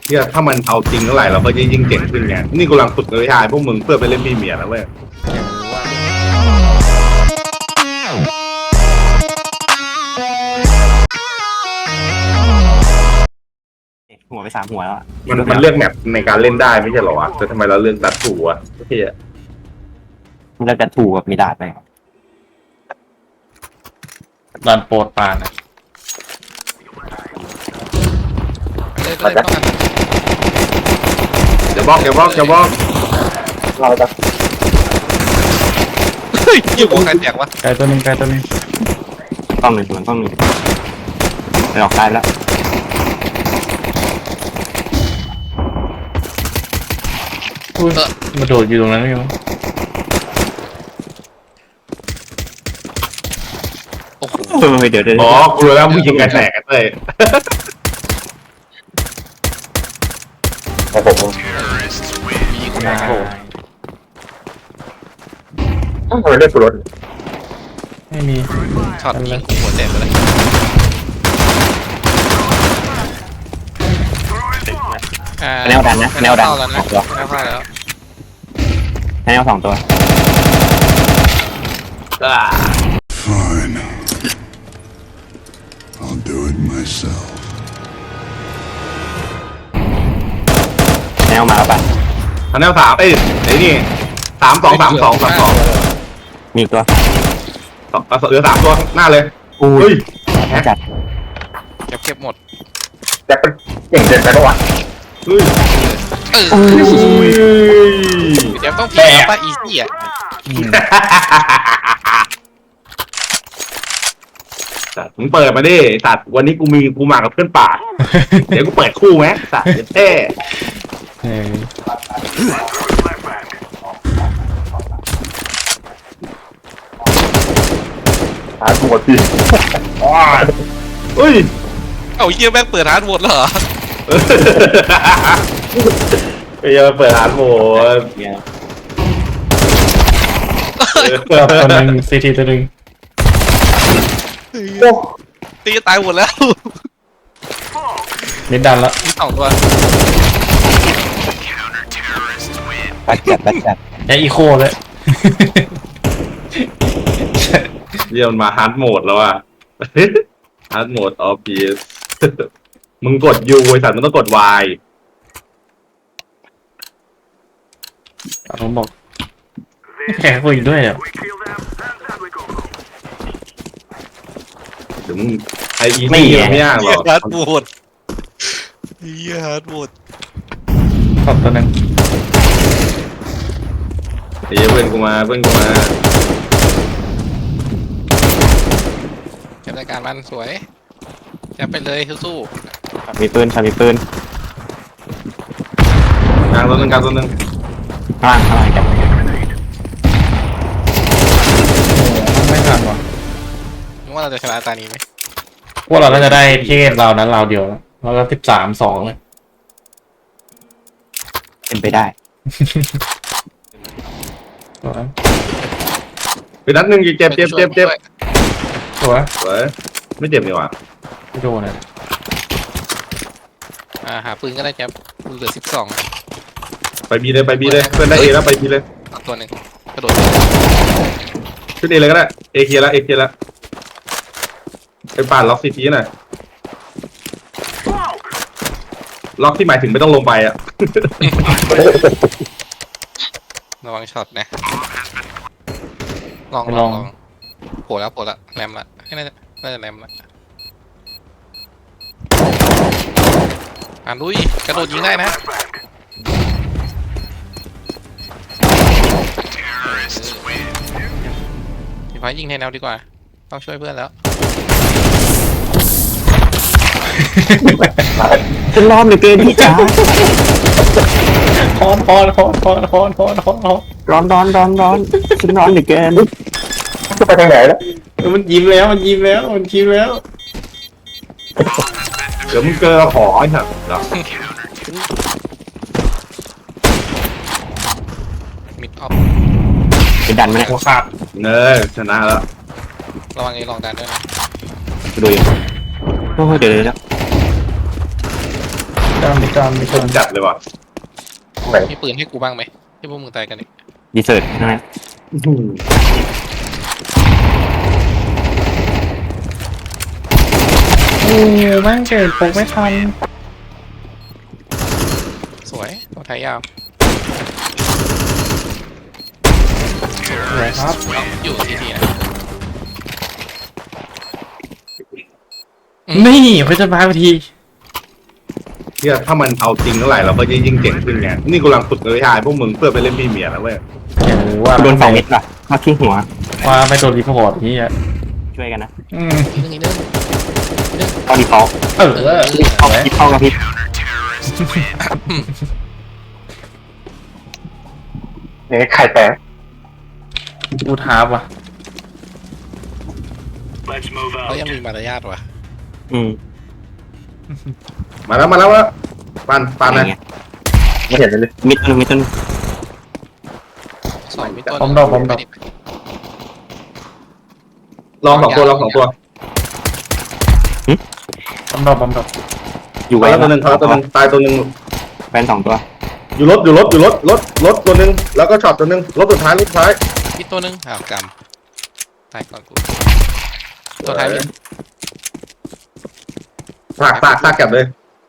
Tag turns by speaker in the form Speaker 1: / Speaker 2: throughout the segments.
Speaker 1: เนี่ยถ้ามันเอาจริงเท่าไหร่เราก็ยิ่งเก่งขึ้นไงนี่กำลังฝึกวิชาพวกมึงเพื่อไปเล่นพรีเมียร์นะเว้ย
Speaker 2: หัวไป3 หัวแล้ว
Speaker 1: มันเลือกแมปในการเล่นได้ไม่ใช่เหรอวะแต่ทำไมเราเลือกดัดถูอ่ะเฮีย
Speaker 2: มันจะถูกกับมีดาดไป
Speaker 3: ดันโปรดปานอ่ะ
Speaker 4: เลยต้องกัน
Speaker 1: อย่าบล็อก
Speaker 2: เราจะ
Speaker 4: เฮ้ยอยู่หัวใครแตกวะ
Speaker 3: ไกลตัวหนึง
Speaker 2: ต้องหนึ่งไปออกซ้ายแล้ว
Speaker 3: อุ้ยมาโดดอยู่ตรงนั้นอยู่
Speaker 4: โอ้โห
Speaker 2: เดี๋ยว
Speaker 1: อ๋อกูรู้แล้วมึงยิงกันแตกกันเลย
Speaker 4: มีคน
Speaker 3: มา
Speaker 2: ต้องเลือกรถ
Speaker 3: ไม่มี
Speaker 4: ช็อตยิงหัวแตกไปเลย
Speaker 2: แนวดันนะแนวดัน
Speaker 4: เข้าแล้วนะแนวเข้าแล้ว
Speaker 2: แนว2 ตัว
Speaker 5: Fine. I'll do it myself.
Speaker 2: แนวมาแล้วป่ะ
Speaker 1: ทันแนว3ไอ้นี่3-2
Speaker 2: มีอีกตัว
Speaker 1: เหลือ3ตัวหน้าเลยเฮ้ย
Speaker 2: แค่จัด
Speaker 4: เก็บหมด
Speaker 2: แต่เป็นเก่งเกินไปปะวะ
Speaker 1: เฮ้ย
Speaker 4: เดี๋ยวต้องพีป่ะอีซี่อ่ะ
Speaker 1: มึงเปิดมาดิสัตว์วันนี้กูมากับเพื่อนป่าเดี๋ยวกูเปิดคู่ไหมสัตว์เท่
Speaker 3: เออ
Speaker 2: หาตัวจริง
Speaker 1: เฮ้ย
Speaker 4: เอ้าเยี่ยแม่งเปิดฮาร์ดโหมดแล้วเหรอ
Speaker 1: ไปยังเปิดร้านโหมด
Speaker 2: เนี่ย
Speaker 3: ตัวหนึงซีทีตัวหนึง
Speaker 4: ตีตายหมดแล้ว
Speaker 3: นิดดันละ
Speaker 4: มี2 ตัว
Speaker 2: บัดจัด
Speaker 3: แออีโคเลย
Speaker 1: เยี่ยมมาฮาร์ดโหมดแล้วอ่ะฮาร์ดโหมดออฟพีสมึงกด U ไอ้สัตว์มึงต้องกด Y
Speaker 3: ผมบอกแพ้คุยด้วยอ่ะ
Speaker 1: เดี๋ยวมึงไออีไม่ยากหร
Speaker 4: เยี่ย
Speaker 1: อก
Speaker 4: ฮาร์ดโหมดเยี่ยฮาร์ดโหมด
Speaker 3: ขอบตัวหนึง
Speaker 1: ไอ้เหี้ยเพื่อนกูมา
Speaker 4: เก็บรายการมันสวยแจะไปเลยสู้
Speaker 2: มีปืน
Speaker 1: กลางตัวหนึง
Speaker 2: ข้างล่างจับ
Speaker 3: ไม่ทันว่ะ
Speaker 4: ๆนึกว่าเราจะชนะตานี้ไหม
Speaker 3: พวกเราก็จะได้เทศเรานั้นเราเดียวแล้วก็13-2เลย
Speaker 2: เป็นไปได้
Speaker 3: ตัวนั้น
Speaker 1: ไปนัดหนึ่งเจ็บ
Speaker 3: ตัว
Speaker 1: สวยไม่เจ็บนี่หว่า
Speaker 3: ไม่โดนอ่ะ
Speaker 4: หาปืนก็ได้แจ๊บเหลือ12
Speaker 1: ไปบีเลยเพื่อนได้เอแล้วไปบีเลย
Speaker 4: ตัวหนึ่งกระโดด
Speaker 1: ขึ้นเอเลยก็ได้เอเคลียร์แล้วไปป่านล็อกซีทีหน่อยล็อกที่หมายถึงไม่ต้องลงไปอ่ะ
Speaker 4: ระวังช็อตนะลองโผล่แล้วแรมละให้น่าจะแรมละลุยกระโดดยิงได้นะพี่ฟ้ายิงแทนแนวดีกว่าต้องช่วยเพื่อนแล้ว
Speaker 2: ฉันรอบเหลือเกินพี่จ๋า
Speaker 3: ฮอน
Speaker 2: ร้อนฉันร้อนเหลือเกินจะไปทางไหนแล้ว
Speaker 3: มันยิ้มแล้ว
Speaker 1: เดี๋ยวมึงเจอขอไอ้สัตว์เหรอ
Speaker 4: มิดออฟ
Speaker 2: จะดันไหมเนี่ย
Speaker 3: หัวขาด
Speaker 1: เนยชนะแล้ว
Speaker 4: ระวังลองดันด้วยนะ
Speaker 2: ดูอยู่โอ้เดี๋ยว
Speaker 3: จามจาม
Speaker 1: คมจัดเลยว่ะ
Speaker 4: มีปืนให้กูบ้างไหมที่พวกมึงตายกันเนี่ย
Speaker 2: ดีเซิร์ตใช่ไหม
Speaker 3: โอ้แม่งเกิดปกไม่ทัน
Speaker 4: สวยตัวไทยยาว
Speaker 3: สวยครับ
Speaker 4: อยู่ทีทีนะ
Speaker 3: นี่เพื่อจะมาที
Speaker 1: เนี่ยถ้ามันเอาจริงเท่าไหร่เราก็จะยิ่งเก่งขึ้นไงนี่กูกำลังฝึกเลยทายพวกมึงเพื่อไปเล่นพี่เมียแล้วเว้ย
Speaker 3: อย่างว่า
Speaker 2: โดน2 เม็ดป่ะมาที่หัว
Speaker 3: ว่าไม่โดนรีพอร์ตนี่อ่ะ
Speaker 2: ช่วยกันนะ
Speaker 4: อีกนึง
Speaker 2: ตอนดีฟอลต์
Speaker 3: เออ
Speaker 2: เข้าพิษเข้ากระพริบเนี่ยไข่แตก
Speaker 3: กูท้าว่ะ
Speaker 4: เขายังมีมารยาทว่ะ
Speaker 1: มาแล้วปาน
Speaker 2: อะไร
Speaker 1: นะ
Speaker 2: เงี้ยไม่เห็นเลยมิดนึงมิดนึง
Speaker 4: สองมีต้น
Speaker 1: ลองสองตัว
Speaker 3: บอมดอก
Speaker 2: อยู่
Speaker 1: ตา
Speaker 2: ไว้
Speaker 1: ยตัวหนึ่งตายตัวหนึ่ง
Speaker 2: แฟน2 ตัว
Speaker 1: อยู่รถตัวหนึ่งแล้วก็ช็อตตัวหนึ่งรถสุดท้าย
Speaker 4: อีกตัวนึงอ้าวกำตายก่อนกูตัวท้ายมี
Speaker 1: ซากกลับเลย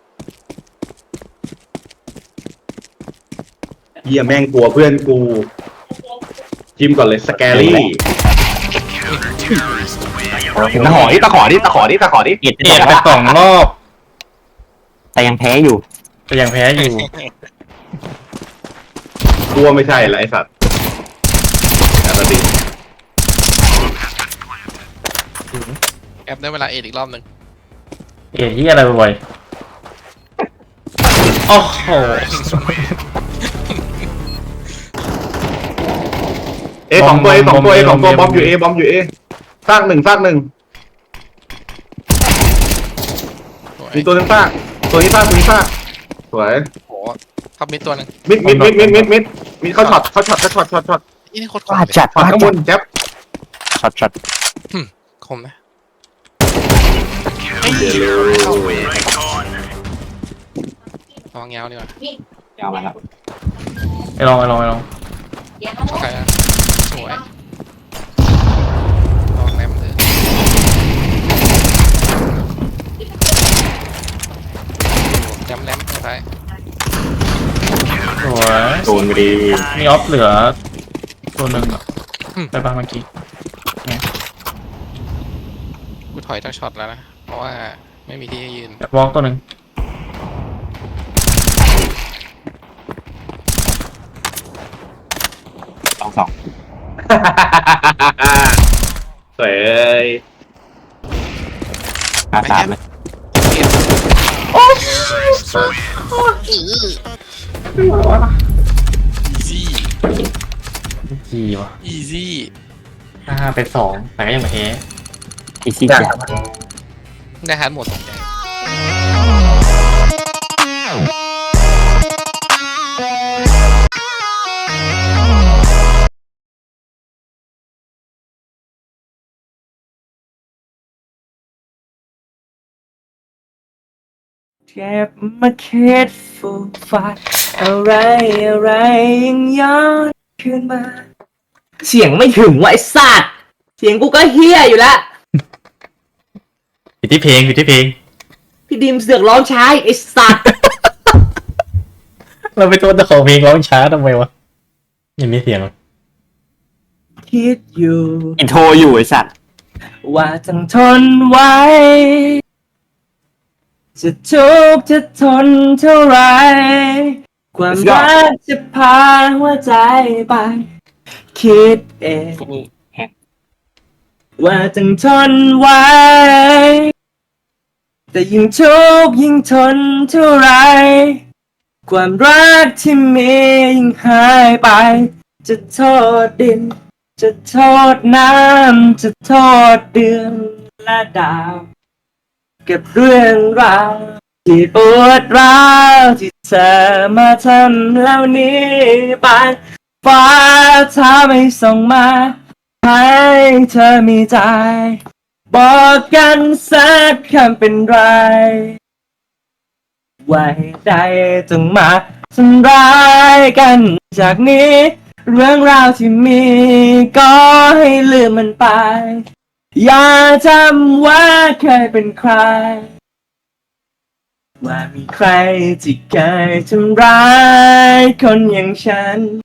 Speaker 1: เฮียแม่งกลัวเพื่อนกูจิ้มก่อนเลยสแกรี่
Speaker 2: ตะขอดิ
Speaker 3: เอ็ดไป2 รอบ
Speaker 2: แต่ยังแพ้อยู่
Speaker 3: แต่ยังแพ้อยู่
Speaker 1: กลัวไม่ใช่ละไอสัตว์อันนี้
Speaker 4: แอปได้เวลาเอ็ดอีกรอบนึง
Speaker 3: เอ๋ที่อะไรบ่อยโอ้โห
Speaker 1: สองตัวบอมอยู่เอซากหนึ่ง
Speaker 4: สวย
Speaker 1: มีตัวนึงซากตัวนี้ซากสวย
Speaker 4: โหทับมิดตัวนึง
Speaker 1: มิดมีเขาช็อต
Speaker 4: นี่โคตรค
Speaker 2: ว่าม
Speaker 4: เลย
Speaker 2: จัด
Speaker 1: ช็อตข้างบนแจ๊บ
Speaker 2: ช็อต
Speaker 4: คมนะ
Speaker 1: เดี๋ยว
Speaker 4: ระวังยาวดีกว่า
Speaker 2: ยาวมาแล้ว
Speaker 3: ไอ้ลอง
Speaker 4: โอเคนะสวยลองแรมเลยจำแรมสุดท้าย
Speaker 3: สวย
Speaker 2: โดนไปดี
Speaker 3: มีออฟเหลือตัวหนึ่งอ่ะไปบ้างเมื่อกี้
Speaker 4: กูถอยจากช็อตแล้วนะเพราะว่าไม่มีที่ให้ยืน
Speaker 3: วอล์กตัวหนึ่ง
Speaker 2: 2
Speaker 1: สวย
Speaker 2: 3เลย
Speaker 4: อีซี่
Speaker 3: จีว่ะ
Speaker 4: อีซี่
Speaker 3: 5 ไป 2 แต่ก็ยังไม่แพ้
Speaker 2: อีซี่จัด
Speaker 4: ได้ฮาร์ดโหมดสนใจ
Speaker 5: เก็บมาคิดฟูฟ้าอะไรยังย้อนคืนมา เสียงไม่ถึงว่ะไอ้สัตว์เสียงกูก็เฮี้ยอยู่แล้ว
Speaker 3: ผิดที่เพลง
Speaker 5: พี่ดิมเสือกร้องช้าไอ้สัตว์
Speaker 3: เราไปโทษเจ้าของเพลงร้องช้าทำไมวะยังมีเสียง
Speaker 5: คิดอยู่
Speaker 2: อินโทรอยู่ไอ้สัตว์
Speaker 5: ว่าต้องทนไว้ จะทุกข์จะทนเท่าไร ความรักจะพาหัวใจไป คิดเองว่าต้องทนไว้ แต่ยิ่งทุกข์ยิ่งทนเท่าไร ความรักที่มียิ่งหายไป จะโทษดิน จะโทษน้ำจะโทษเดือนและดาวเก็บเรื่องราวที่ปวดร้าวที่เธอมาทำแล้วหนี้ไปฟ้าถ้าไม่ส่งมาให้เธอมีใจ บอกกันสักคำเป็นไรว่าเหตุใดต้องมาทำร้ายกันจากนี้ เรื่องราวที่มีก็ให้ลืมมันไป อย่าจำว่าเคยเป็นใคร ว่ามีใครที่เคยทำร้ายคนอย่างฉัน